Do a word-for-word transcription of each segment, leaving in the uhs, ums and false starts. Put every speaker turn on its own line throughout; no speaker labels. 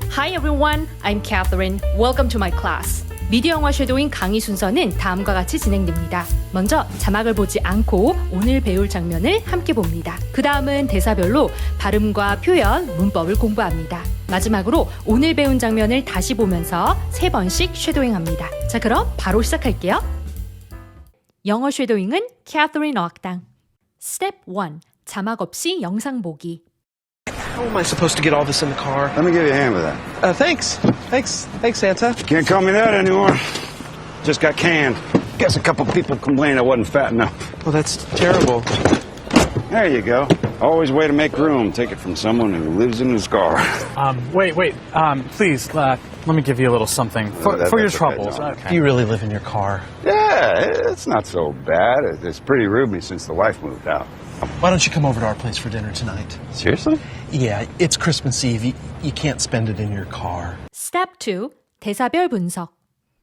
Hi everyone, I'm Catherine. Welcome to my class. 미디어 영화 쉐도잉 강의 순서는 다음과 같이 진행됩니다. 먼저 자막을 보지 않고 오늘 배울 장면을 함께 봅니다. 그 다음은 대사별로 발음과 표현, 문법을 공부합니다. 마지막으로 오늘 배운 장면을 다시 보면서 세 번씩 쉐도잉합니다. 자, 그럼 바로 시작할게요. 영어 쉐도잉은 캐서린 어학당. Step one. 자막 없이 영상 보기.
How am I supposed to get all this in the car?
Let me give you a hand with that.
Uh, thanks. Thanks. Thanks, Santa.
Can't call me that anymore. Just got canned. Guess a couple people complained I wasn't fat enough.
Well, that's terrible.
There you go. Always way to make room. Take it from someone who lives in his car.
Um, wait, wait. Um, please, uh, let me give you a little something for,
Oh, that-
for your
that's okay,
troubles.
John.
Okay.
You really live in your car.
Yeah, it's not so bad. It's pretty roomy since the wife moved out.
Why don't you come over to our place for dinner tonight?
Seriously?
Yeah, it's Christmas Eve. You, you can't spend it in your car.
Step two. 대사별 분석.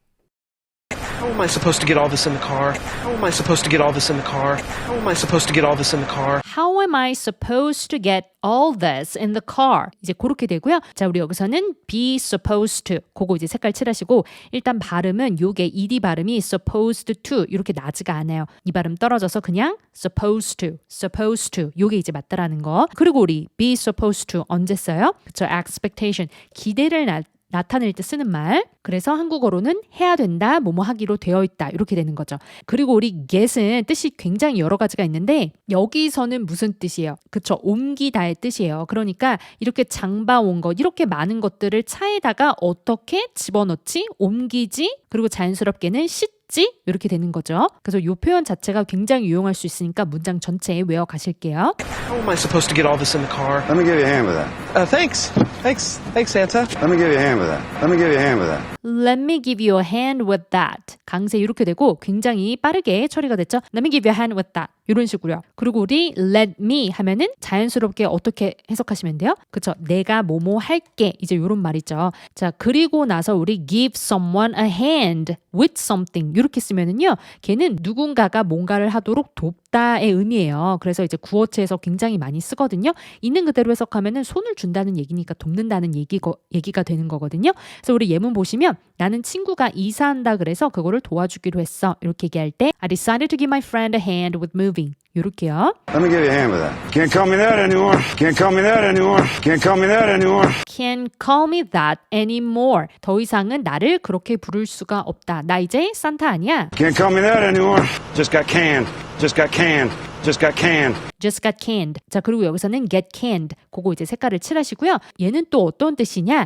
How am I supposed to get all this in the car? How am I supposed to get all this in the car? How am I supposed to get all this in the car?
How am I supposed to get all this in the car? 이제 그렇게 되고요. 자, 우리 여기서는 be supposed to. 그거 이제 색깔 칠하시고 일단 발음은 요게 ed 발음이 supposed to 이렇게 나지가 않아요. 이 발음 떨어져서 그냥 supposed to, supposed to 요게 이제 맞다라는 거. 그리고 우리 be supposed to 언제 써요? 그쵸, expectation. 기대를 나 나타낼 때 쓰는 말. 그래서 한국어로는 해야 된다, 뭐뭐 하기로 되어 있다 이렇게 되는 거죠. 그리고 우리 get은 뜻이 굉장히 여러 가지가 있는데 여기서는 무슨 뜻이에요? 그쵸, 옮기다의 뜻이에요. 그러니까 이렇게 장봐온 것, 이렇게 많은 것들을 차에다가 어떻게 집어넣지, 옮기지, 그리고 자연스럽게는 씻지 이렇게 되는 거죠. 그래서 이 표현 자체가 굉장히 유용할 수 있으니까 문장 전체에 외워 가실게요.
How am I supposed to get all this in the car?
Let me give you a hand with that.
Uh, thanks. Thanks. Thanks, Santa.
Let me give you a hand with that. Let me give you a hand with that.
Let me give you a hand with that. 강세 이렇게 되고 굉장히 빠르게 처리가 됐죠. Let me give you a hand with that. 이런 식으로요. 그리고 우리 let me 하면은 자연스럽게 어떻게 해석하시면 돼요? 그쵸? 내가 뭐뭐 할게. 이제 이런 말이죠. 자, 그리고 나서 우리 give someone a hand with something 이렇게 쓰면은요. 걔는 누군가가 뭔가를 하도록 돕다의 의미예요. 그래서 이제 구어체에서 굉장히 많이 쓰거든요. 있는 그대로 해석하면은 손을 준다는 얘기니까 돕는다는 얘기가, 얘기가 되는 거거든요. 그래서 우리 예문 보시면 나는 친구가 이사한다 그래서 그거를 도와주기로 했어. 이렇게 얘기할 때 I decided to give my friend a hand with moving. 이렇게요.
Let me give you a hand with that. Can't call me that anymore. Can't call me that anymore. Can't call me that anymore.
Can't call me that anymore. 더 이상은 나를 그렇게 부를 수가 없다. 나 이제 산타 아니야.
Can't call me that anymore. Just got canned. Just got canned. Just got canned.
Just got canned. 자, 그리고 여기서는 get canned. 그거 이제 색깔을 칠하시고요. 얘는 또 어떤 뜻이냐?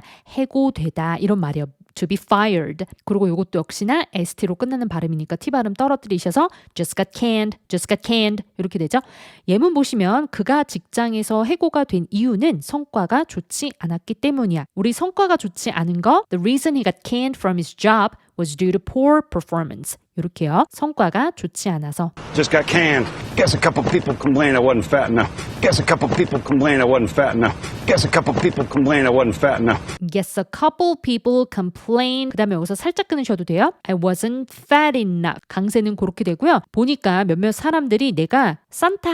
해고되다. 이런 말이에요. to be fired. 그리고 이것도 역시나 에스티로 끝나는 발음이니까 T 발음 떨어뜨리셔서 just got canned, just got canned 이렇게 되죠. 예문 보시면 그가 직장에서 해고가 된 이유는 성과가 좋지 않았기 때문이야. 우리 성과가 좋지 않은 거 The reason he got canned from his job was due to poor performance. 이렇게요. 성과가 좋지 않아서.
Just got canned. Guess a couple people complained I wasn't fat enough. Guess a couple people complained I wasn't fat enough. Guess a couple people complained I wasn't fat enough.
Guess a couple people complained. 그 다음에 여기서 살짝 끊으셔도 돼요. I wasn't fat enough. 강세는 그렇게 되고요. 보니까 몇몇 사람들이 내가 산타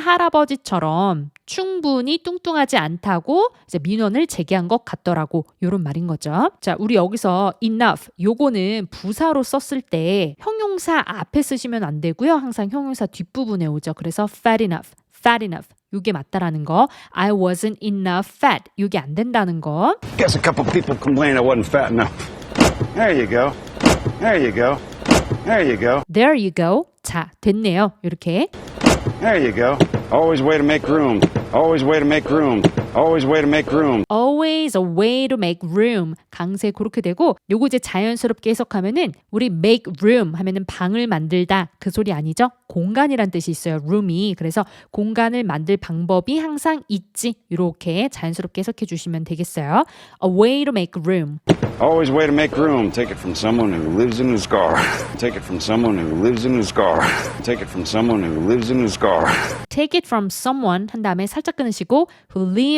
할아버지처럼 충분히 뚱뚱하지 않다고 이제 민원을 제기한 것 같더라고. 이런 말인 거죠. 자, 우리 여기서 enough 요거는 부사로 썼을 때 형용사 앞에 쓰시면 안 되고요. 항상 형용사 뒷부분에 오죠. 그래서 fat enough, fat enough. 이게 맞다라는 거. I wasn't enough fat. 이게 안 된다는 거.
Guess a couple people complained I wasn't fat enough. There you go. There you go. There you go.
There you go. 자, 됐네요. 이렇게.
There you go. Always way to make room. Always way to make room. Always way to make room.
Always a way to make room. 강세 그렇게 되고 요거 이제 자연스럽게 해석하면은 우리 make room 하면은 방을 만들다 그 소리 아니죠? 공간이란 뜻이 있어요. room이. 그래서 공간을 만들 방법이 항상 있지. 이렇게 자연스럽게 해석해 주시면 되겠어요. A way to make room.
Always way to make room. Take it from someone who lives in his car. Take it from someone who lives in his car. Take it from someone who lives in his car.
Take it from someone 한 다음에 살짝 끊으시고 who lives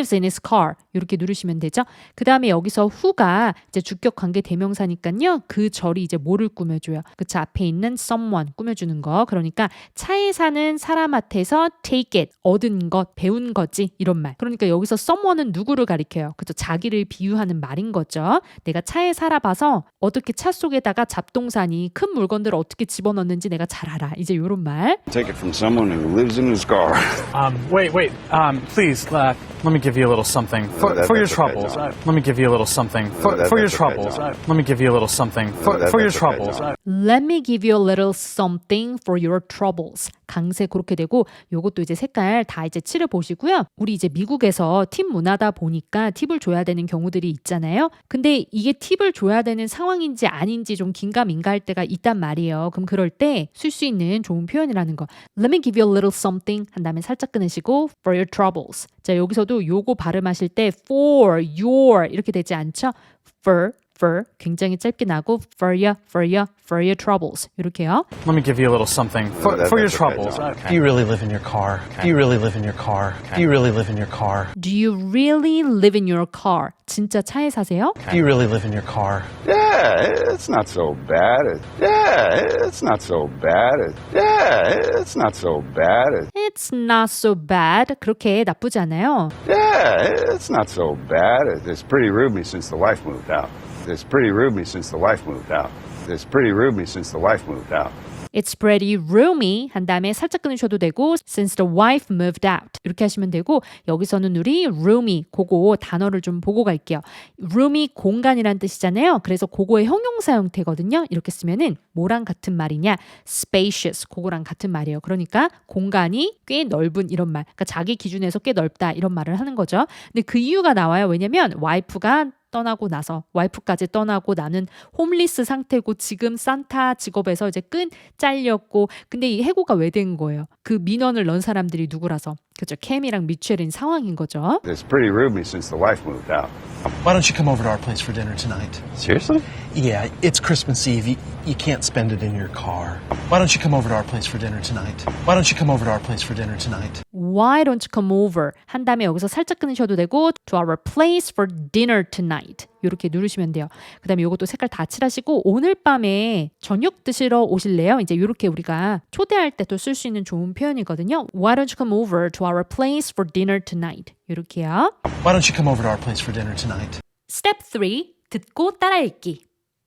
lives in his car. 이렇게 누르시면 되죠. 그 다음에 여기서 who가 이제 주격 관계 대명사니까요. 그 절이 이제 뭐를 꾸며줘요? 그쵸? 앞에 있는 someone 꾸며주는 거. 그러니까 차에 사는 사람한테서 take it, 얻은 것, 배운 거지 이런 말. 그러니까 여기서 someone은 누구를 가리켜요? 그쵸? 자기를 비유하는 말인 거죠. 내가 차에 살아봐서 어떻게 차 속에다가 잡동사니 큰 물건들을 어떻게 집어넣는지 내가 잘 알아. 이제 이런 말.
Take it from someone who lives in his car.
Um, wait, wait. Um, please, uh, let me give you a little something for,
that-
for your
that's okay,
troubles.
John.
Uh, let me give you a little something for,
that-
for your
that's okay,
troubles.
John.
Uh, let me give you a little something for,
that-
for your
that's okay,
troubles.
John.
Uh,
Let me give you a little something for your troubles. 강세 그렇게 되고 요것도 이제 색깔 다 이제 칠해 보시고요. 우리 이제 미국에서 팁 문화다 보니까 팁을 줘야 되는 경우들이 있잖아요. 근데 이게 팁을 줘야 되는 상황인지 아닌지 좀 긴가민가할 때가 있단 말이에요. 그럼 그럴 때 쓸 수 있는 좋은 표현이라는 거. Let me give you a little something 한 다음에 살짝 끊으시고 for your troubles. 자, 여기서도 요거 발음하실 때 for, your 이렇게 되지 않죠? for for 굉장히 짧게 나고 for you, for you, for your troubles 이렇게요.
let me give you a little something for,
that-
for your
that's okay,
troubles.
John.
Uh,
Do you really live in your car? Do you really live in your car? Do you really live in your car?
Do you really live in your car? 진짜 차에 사세요?
Do you really live in your car?
Yeah, it's not so bad. It- Yeah, it's not so bad. It- Yeah, it's not so bad. It-
It's not so bad. 그렇게 나쁘지 않아요.
Yeah, it's not so bad. It- It's pretty roomy since the wife moved out. It's pretty roomy since the wife moved out. It's pretty roomy since the wife moved out.
It's pretty roomy 한 다음에 살짝 끊으셔도 되고 since the wife moved out 이렇게 하시면 되고 여기서는 우리 roomy 그거 단어를 좀 보고 갈게요. roomy 공간이란 뜻이잖아요. 그래서 그거의 형용사 형태거든요. 이렇게 쓰면은 뭐랑 같은 말이냐? spacious 그거랑 같은 말이에요. 그러니까 공간이 꽤 넓은 이런 말. 그러니까 자기 기준에서 꽤 넓다 이런 말을 하는 거죠. 근데 그 이유가 나와요. 왜냐면 와이프가 떠나고 나서 와이프까지 떠나고 나는 홈리스 상태고 지금 산타 직업에서 이제 끈 잘렸고 근데 이 해고가 왜 된 거예요? 그 민원을 넣은 사람들이 누구라서 그죠? 캠이랑 미첼인 상황인 거죠.
It's pretty roomy since the wife moved out.
Why don't you come over to our place for dinner tonight?
Seriously?
Yeah, it's Christmas Eve. You, you can't spend it in your car. Why don't you come over to our place for dinner tonight? Why don't you come over to our place for dinner tonight?
Why don't you come over? 한 다음에 여기서 살짝 끊으셔도 되고 to our place for dinner tonight. 이렇게 누르시면 돼요. 그 다음에 이것도 색깔 다 칠하시고 오늘 밤에 저녁 드시러 오실래요? 이제 이렇게 우리가 초대할 때 또 쓸 수 있는 좋은 표현이거든요. Why don't you come over to our place for dinner tonight? 이렇게요.
Why don't you come over to our place for dinner tonight?
Step three. 듣고 따라 읽기.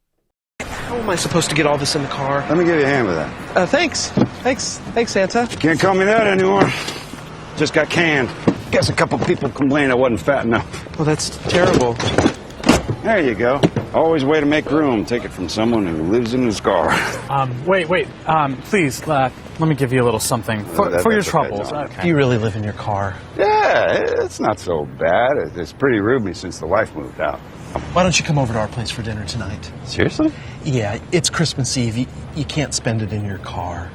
How am I supposed to get all this in the car?
Let me give you a hand with that.
Uh, thanks. Thanks. Thanks, Santa.
Can't call me that anymore. Just got canned. Guess a couple people complained I wasn't fat enough.
Well, that's terrible.
There you go. Always way to make room. Take it from someone who lives in his car.
um, wait, wait. Um, please, uh, let me give you a little something for,
that-
for your
that's okay,
troubles.
John.
Uh,
Do you really live in your car?
Yeah, it's not so bad. It- It's pretty roomy since the wife moved out.
Why don't you come over to our place for dinner tonight?
Seriously?
Yeah, it's Christmas Eve. You, you can't spend it in your car.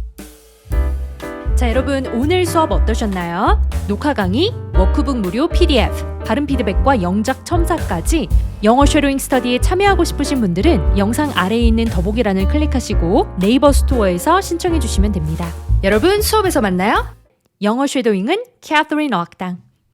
자, 여러분 오늘 수업 어떠셨나요? 녹화 강의, 워크북 무료 피디에프, 발음 피드백과 영작 첨삭까지 영어 쉐도잉 스터디에 참여하고 싶으신 분들은 영상 아래에 있는 더보기란을 클릭하시고 네이버 스토어에서 신청해 주시면 됩니다. 여러분 수업에서 만나요. 영어 쉐도잉은 캐서린 어학당.